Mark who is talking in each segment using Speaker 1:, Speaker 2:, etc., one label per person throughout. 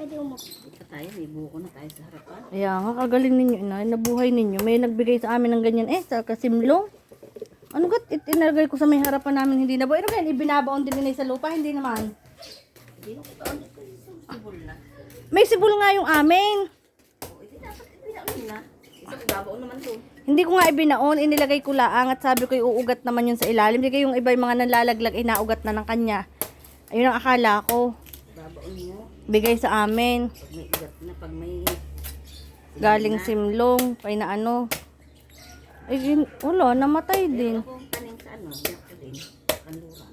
Speaker 1: pwede umupo.
Speaker 2: Ito tayo, may buko na tayo sa harapan.
Speaker 3: Kaya nga, kagaling ninyo, inay. Nabuhay ninyo. May nagbigay sa amin ng ganyan. Sa kasimlong. Ano gat? Inalagay ko sa may harapan namin, hindi nabuhay. Ano ganyan? Ibinabaon din inay sa lupa? Hindi naman.
Speaker 2: Hindi na kita ulit ko yung sibol na.
Speaker 3: May sibol nga yung amin.
Speaker 2: O, hindi dapat ibinaon na. Isang ibabaon naman to.
Speaker 3: Hindi ko nga ibinaon, inilagay ko laang at sabi ko iuugat naman yun sa ilalim. Hindi yung iba yung mga nalalaglag, inaugat na ng kanya. Ayun ang akala ko.
Speaker 2: Ibabaon mo.
Speaker 3: Bigay sa amin.
Speaker 2: Pag may igat na, pag may...
Speaker 3: Galing simlong, pay na ano. Eh, wala, namatay din.
Speaker 2: Ako tanim sa ano, yak din. Kanluran.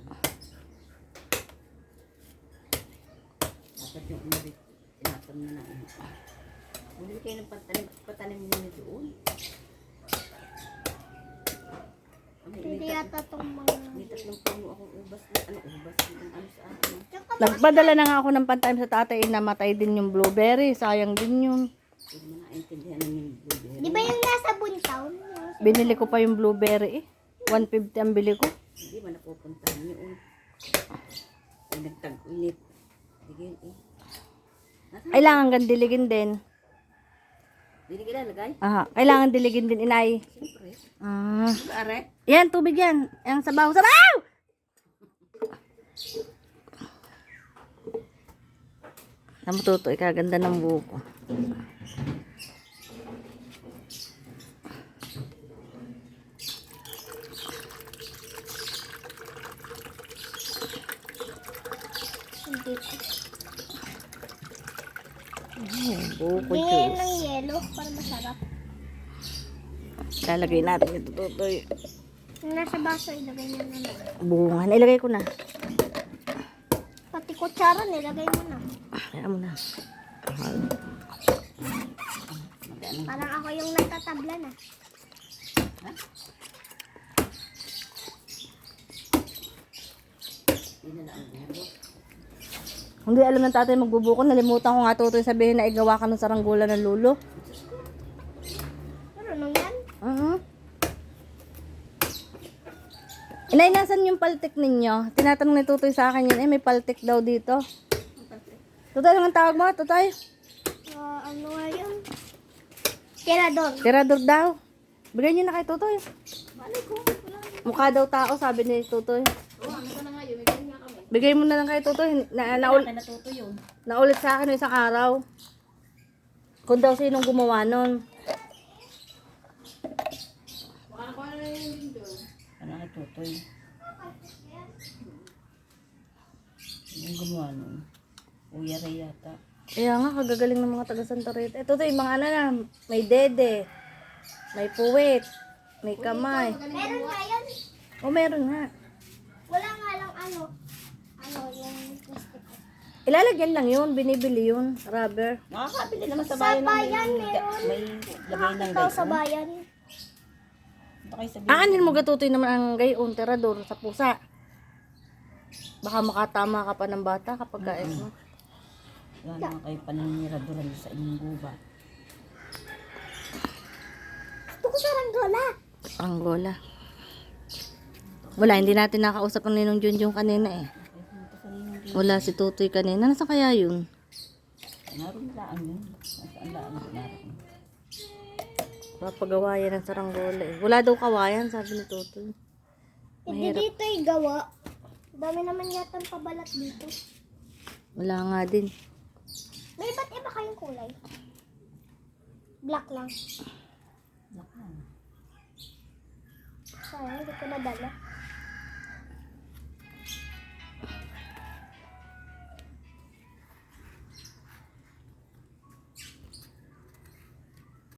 Speaker 2: Dapat yung umarit, tinapon na na. Hindi kayo ng patanim nyo doon.
Speaker 1: Hindi yata itong mga...
Speaker 2: May tatlong puno akong ubas na, ubas yung ano sa akin.
Speaker 3: Nagpadala na nga ako ng pantanim sa tatay, namatay din yung blueberry. Sayang din yun.
Speaker 2: Hindi mo naintindihan ng yung blueberry.
Speaker 1: Di ba yung nasa Buntown?
Speaker 3: Binili ko pa yung blueberry 150 ang bili ko.
Speaker 2: Hindi ba napupuntahan nyo? Ay, nagtag-ulit. Sige yun eh.
Speaker 3: Kailangan gandiligin din.
Speaker 2: Hindi kilalagay?
Speaker 3: Aha, kailangan diligin din, inay.
Speaker 2: Siyempre.
Speaker 3: Ah.
Speaker 2: Are?
Speaker 3: Yan, tubig yan. Yang sabaw. Sabaw! Namututo, ikaganda ng buko.
Speaker 1: Hindi.
Speaker 3: Buko
Speaker 1: Bingin
Speaker 3: juice.
Speaker 1: ng yelo para masarap.
Speaker 3: Lalagay natin ito, tutoy.
Speaker 1: Yung nasa baso, ilagay nyo na lang.
Speaker 3: Bunga. Nailagay ko na.
Speaker 1: Pati kutsara, nilagay mo na.
Speaker 3: Ayan mo na.
Speaker 1: Parang ako yung natatabla na.
Speaker 2: Hindi na ang bubo.
Speaker 3: Hindi alam ng tatay magbubuko. Nalimutan ko nga tutoy sabihin na igawa ka ng saranggola ng lulo.
Speaker 1: Marunong yan?
Speaker 3: Inay, nasan yung paltik ninyo? Tinatanong ni tutoy sa akin yun. May paltik daw dito. Tutoy, anong tawag mo? Tutoy?
Speaker 1: Ano nga yun? Tirador.
Speaker 3: Tirador daw. Bigay niyo na kay tutoy.
Speaker 2: Malay ko.
Speaker 3: Mukha daw tao, sabi ni tutoy.
Speaker 2: Oo, ano ko na nga yun. May ganyan nga kami.
Speaker 3: Bigay mo na lang kay tutoy.
Speaker 2: Natuto yun.
Speaker 3: Naulit sa akin isang araw. Kung daw sinong gumawa nun.
Speaker 2: Ano nga tutoy? Yung gumawa nun. Uya rin yata.
Speaker 3: Kaya nga, kagagaling ng mga taga Santa Rita. Ito yung mga ano na, may dede, may puwit, may kamay.
Speaker 1: Meron nga yan.
Speaker 3: O, meron nga.
Speaker 1: Wala nga lang ano yung plastic.
Speaker 3: Ilalagyan lang yun, binibili yun, rubber.
Speaker 2: Nakakabili naman sa
Speaker 1: Sa
Speaker 2: bayan.
Speaker 1: bayan, meron.
Speaker 2: May lagay ng
Speaker 1: Nakakita ko sa bayan.
Speaker 2: Ito kayo sabihin.
Speaker 3: Aanin mo gatutoy naman ang gayon, terador sa pusa. Baka makatama ka pa ng bata kapag kain mo.
Speaker 2: Wala naman kayo paniniraduran sa inyong guba.
Speaker 1: Gusto ko saranggola.
Speaker 3: Angola. Wala, hindi natin nakausap ang ninong Junjun kanina eh. Wala si Tutoy kanina. Nasa kaya yun?
Speaker 2: Naroon laan yun. Nasaan laan yun? Naroon.
Speaker 3: Papagawa yan ng saranggola eh. Wala daw kawayan, sabi ni Tutoy.
Speaker 1: Hindi dito ay gawa. Dami naman yata ang pabalat dito.
Speaker 3: Wala nga din.
Speaker 1: May iba't iba kayong kulay. Black lang.
Speaker 2: Nakaan.
Speaker 1: Sayang, hindi ko nadala.